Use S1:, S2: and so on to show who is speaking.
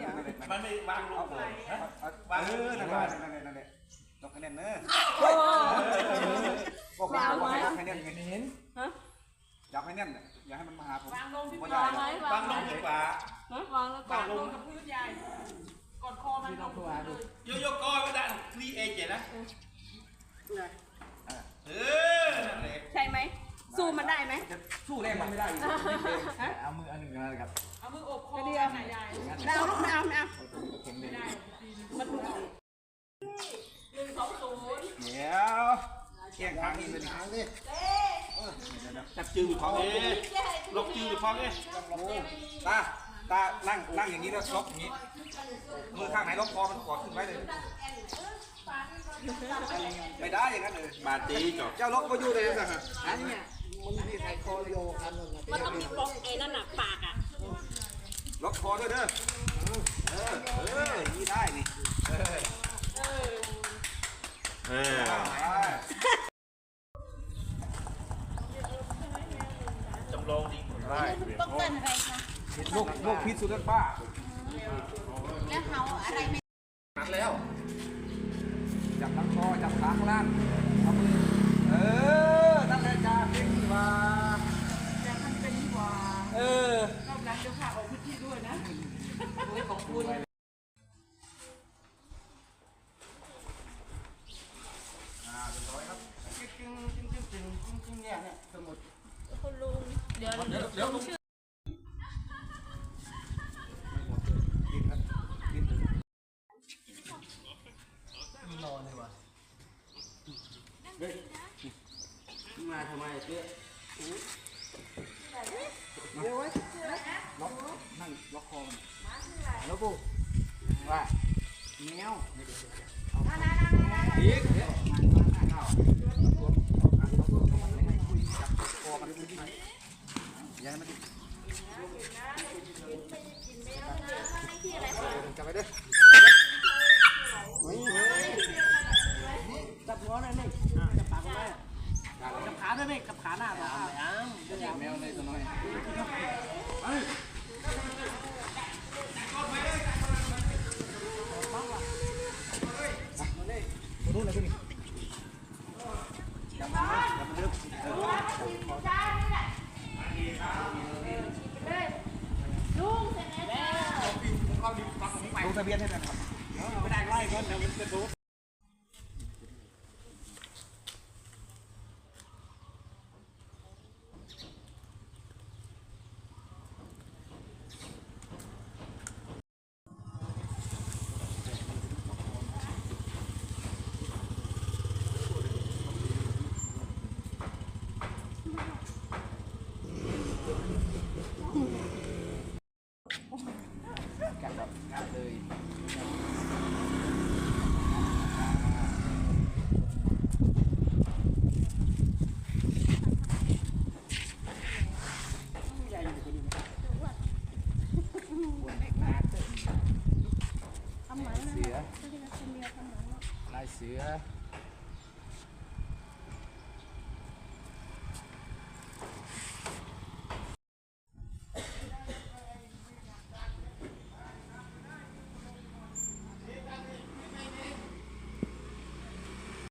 S1: มันไม่วางลงเลยวางนั่นแหละต้องคะแนนเนอะบอกว่าอยากให้แน่นเห็นอยากให้แน่นอยากให้มันมาหาผมวางลงที่พื้นวางลงดีกว่าวางแล้วกดลงกับพื้นใหญ่กดคอมันลงโยกก้อยก็ได้คลีเอเจนะ
S2: ใช่ไหมสู้มันได้ไหม
S1: สู้แรงมันไม่ได้เอามืออันหนึ่งนะครับ
S2: เอามืออบคอเดียวไหนใหญ่ดาวลูกไม่เอาไม่ได้มันถูก1-2-0
S1: เดี๋ยวแข่งครั้งนี้เป็นครั้งนี้จับจืดอยู่ท้องล็อกจืดอยู่ท้องตานั่งอย่างนี้แล้วล็อกอย่างนี้มือข้างไหนล็อกคอมันกอดขึ้นไว้เลยไม่ได้อย่างนั้นเลยบาดจีจบเจ้าล็อกก็อยู่เลยนะฮะอันนี้มันมีใครคอโยกัน
S2: มันต้องมีล็อกไอ้นั่นหนักปากอ่ะ
S1: ล็อกคอด้วยเด้อนี่ได้นี่จำลองดีได้
S2: ป้องกันอะไรคะ
S1: โรคพิษสุนัขบ้า
S2: แล้วเขาอะไรไม่
S1: หักแล้วจับลำคอจับขาข้างล่างเอามือนั่นแหละจ้าเป็นว่า
S2: จะทำเป็นว่ารอบนั้นเดี๋ยวพาออกพื้นที่ด้วยนะขอบคุณ
S1: เนี่ยสมุด
S2: คุณลุงเดี๋ยวลุงชื่อ
S1: นอนเลยวะเฮ้ยมาทำไมเจ๊เดี๋ยวไว้ล็อกนั่งล็อกคอมันแล้วกูว่าแมวอีกยังไม่กินจับไปด้วยจับหัวหน่อยนี่จับปากได้จับขาด้วยนี่จับขาหน้าตัวแมวเลยตัวน้อยรู้เลยพี่จับมันลึกดูทะเบียนให้หน่อยครับไม่ได้ไล่ก่อนเดี๋ยวมันจะดูกัดเลยลายเสือ